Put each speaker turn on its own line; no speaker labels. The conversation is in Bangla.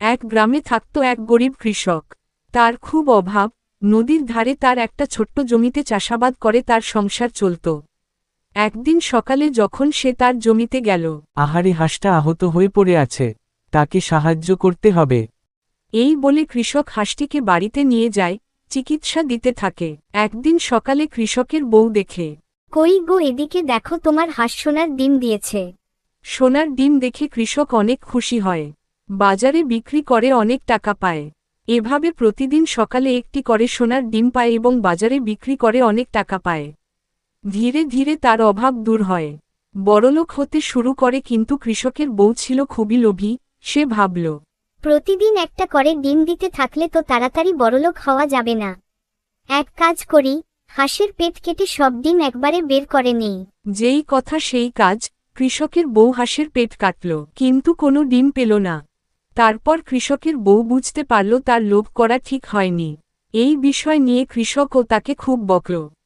এক গ্রামে থাকত এক গরিব কৃষক। তার খুব অভাব, নদীর ধারে তার একটা ছোট্ট জমিতে চাষাবাদ করে তার সংসার চলত। একদিন সকালে যখন সে তার জমিতে গেল,
আহারে, হাঁসটা আহত হয়ে পড়ে আছে, তাকে সাহায্য করতে হবে।
এই বলে কৃষক হাঁসটিকে বাড়িতে নিয়ে যায়, চিকিৎসা দিতে থাকে। একদিন সকালে কৃষকের বউ দেখে,
কই গো, এদিকে দেখো, তোমার হাঁস সোনার ডিম দিয়েছে।
সোনার ডিম দেখে কৃষক অনেক খুশি হয়। বাজারে বিক্রি করে অনেক টাকা পায়। এভাবে প্রতিদিন সকালে একটি করে সোনার ডিম পায় এবং বাজারে বিক্রি করে অনেক টাকা পায়। ধীরে ধীরে তার অভাব দূর হয়, বড়লোক হতে শুরু করে। কিন্তু কৃষকের বউ ছিল খুবই লোভী। সে ভাবল,
প্রতিদিন একটা করে ডিম দিতে থাকলে তো তাড়াতাড়ি বড়লোক হওয়া যাবে না। এক কাজ করি, হাঁসের পেট কেটে সব ডিম একবারে বের করে নেই।
যেই কথা সেই কাজ। কৃষকের বউ হাঁসের পেট কাটল, কিন্তু কোনো ডিম পেল না। তারপর কৃষকের বউ বুঝতে পারল তার লোভ করা ঠিক হয়নি। এই বিষয় নিয়ে কৃষকও তাকে খুব বকল।